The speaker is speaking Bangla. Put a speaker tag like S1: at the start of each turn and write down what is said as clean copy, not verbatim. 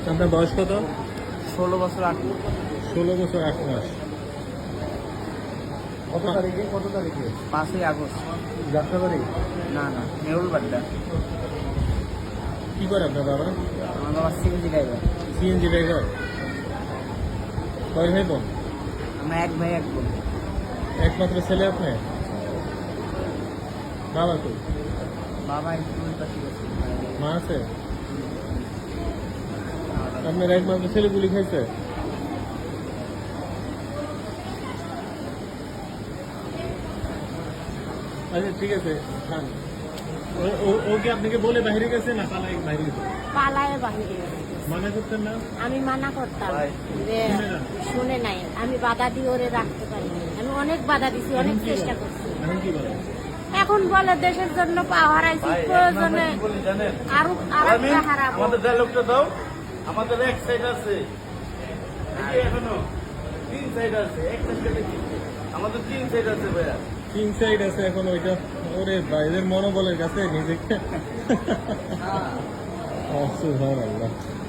S1: আপনার বয়স কত?
S2: 16 বছর 8 মাস।
S1: 16 বছর 8 মাস।
S3: কত তারিখে
S2: 5ই আগস্ট।
S3: যাত্রাবাড়ি?
S2: না না, নেউল বাড্ডা।
S1: কি করে আপনার বাবা?
S2: আমার বাবা সিএনজি ড্রাইভার।
S1: CNG driver. কয় ভাই বোন?
S2: আমরা এক ভাই এক বোন।
S1: একমাত্র ছেলে আপনি? বাবা তো?
S2: বাবা একটু পাশে গেছে।
S1: মা আছে? আপনার একমাত্র ছেলে গুলি খাইছে? আচ্ছা ঠিক আছে, খান। ও কি আপনাকে বলে বাইরে গেছে না পালাই বাইরে গেছে?
S4: পালায় বাহিরে গেছে।
S1: মানা করতেন না?
S4: আমি মানা করতাম যে শুনে নাই, আমি বাধা দিয়ে ওরে রাখতে পারিনি। আমি অনেক বাধা দিছি, অনেক চেষ্টা করছি।
S1: এখন কি বলেন?
S4: এখন বলে দেশের জন্য পা হারাইছি, প্রয়োজনে আরো আরেকটা হারাবো।
S5: আমাদের ডায়লগটা দাও। আমাদের এক সাইড আছে, এই যে এখনো 3 সাইড আছে, একটা সাইডে কি আমাদের 3 সাইড আছে ভাইয়া।
S1: 3 সাইড আছে এখন ওইটা। ওরে ভাইদের মনোবলের কাছে নিজেকে সুবহানাল্লাহ।